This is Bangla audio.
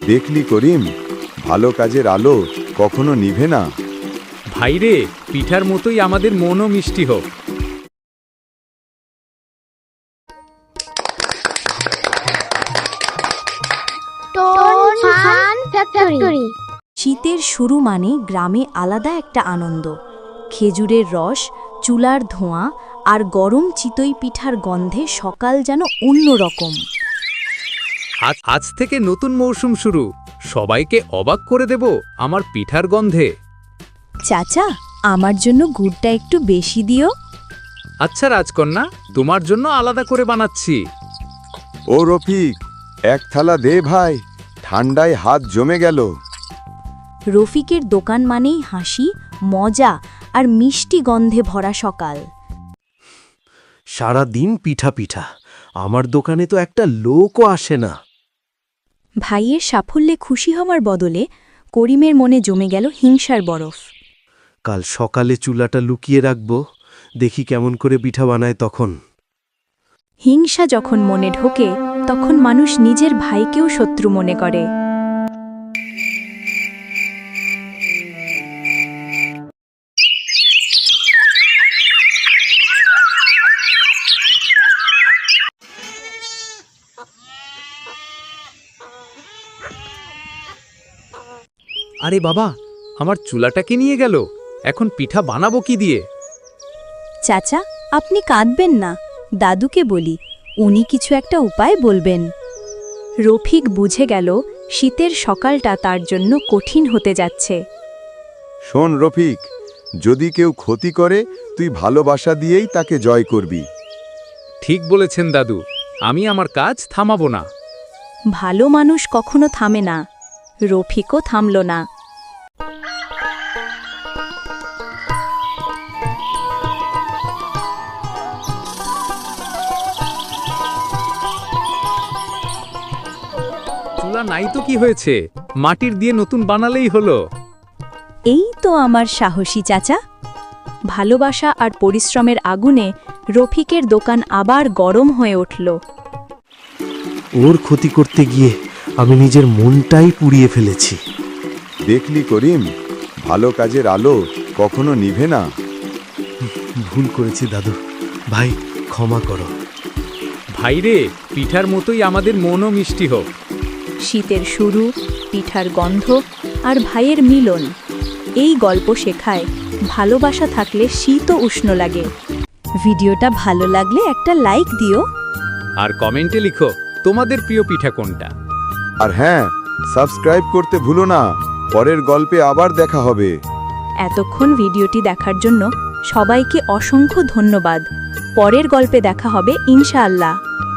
দেখলি করিম, ভালো কাজের আলো কখনো নিভে না। ভাইরে, পিঠার মতোই আমাদের মনও মিষ্টি হোক। শীতের শুরু মানে গ্রামে আলাদা একটা আনন্দ। খেজুরের রস, চুলার ধোঁয়া আর গরম চিতই পিঠার গন্ধে সকাল যেন অন্যরকম। আজ থেকে নতুন মৌসুম শুরু, সবাইকে অবাক করে দেব আমার পিঠার গন্ধে। চাচা, আমার জন্য গুড়টা একটু বেশি দিও। আচ্ছা রাজকন্যা, তোমার জন্য আলাদা করে বানাচ্ছি। ও রফিক, এক থালা দে ভাই, ঠান্ডায় হাত জমে গেল। রফিকের দোকান মানেই হাসি, মজা আর মিষ্টি গন্ধে ভরা সকাল। সারা দিন পিঠা পিঠা, আমার দোকানে তো একটা লোকও আসে না। ভাইয়ের সাফল্যে খুশি হওয়ার বদলে করিমের মনে জমে গেল হিংসার বরফ। কাল সকালে চুলাটা লুকিয়ে রাখব, দেখি কেমন করে পিঠা বানায় তখন। হিংসা যখন মনে ঢোকে তখন মানুষ নিজের ভাইকেও শত্রু মনে করে। আরে বাবা, আমার চুলাটাকে নিয়ে গেল, এখন পিঠা বানাবো কি দিয়ে? চাচা, আপনি কাঁদবেন না, দাদুকে বলি, উনি কিছু একটা উপায় বলবেন। রফিক বুঝে গেল শীতের সকালটা তার জন্য কঠিন হতে যাচ্ছে। শোন রফিক, যদি কেউ ক্ষতি করে তুই ভালোবাসা দিয়েই তাকে জয় করবি। ঠিক বলেছেন দাদু, আমি আমার কাজ থামাবো না। ভালো মানুষ কখনো থামে না। রফিকও থামল না। চুলা নাই তো কি হয়েছে, মাটির দিয়ে নতুন বানালেই হলো। এই তো আমার সাহসী চাচা। ভালোবাসা আর পরিশ্রমের আগুনে রফিকের দোকান আবার গরম হয়ে উঠল। ওর ক্ষতি করতে গিয়ে আমি নিজের মনটাই পুড়িয়ে ফেলেছি। দেখলি করিম, ভালো কাজের আলো কখনো নিভে না। ভুল করেছি দাদু, ভাই ক্ষমা করো। ভাইরে, পিঠার মতোই আমাদের মনও মিষ্টি হোক। শীতের শুরু, পিঠার গন্ধ আর ভাইয়ের মিলন, এই গল্প শেখায় ভালোবাসা থাকলে শীতও উষ্ণ লাগে। ভিডিওটা ভালো লাগলে একটা লাইক দিও আর কমেন্টে লিখো তোমাদের প্রিয় পিঠা কোনটা। আর হ্যাঁ, সাবস্ক্রাইব করতে ভুলো না। পরের গল্পে আবার দেখা হবে। এতক্ষণ ভিডিওটি দেখার জন্য সবাইকে অসংখ্য ধন্যবাদ। পরের গল্পে দেখা হবে ইনশাআল্লাহ।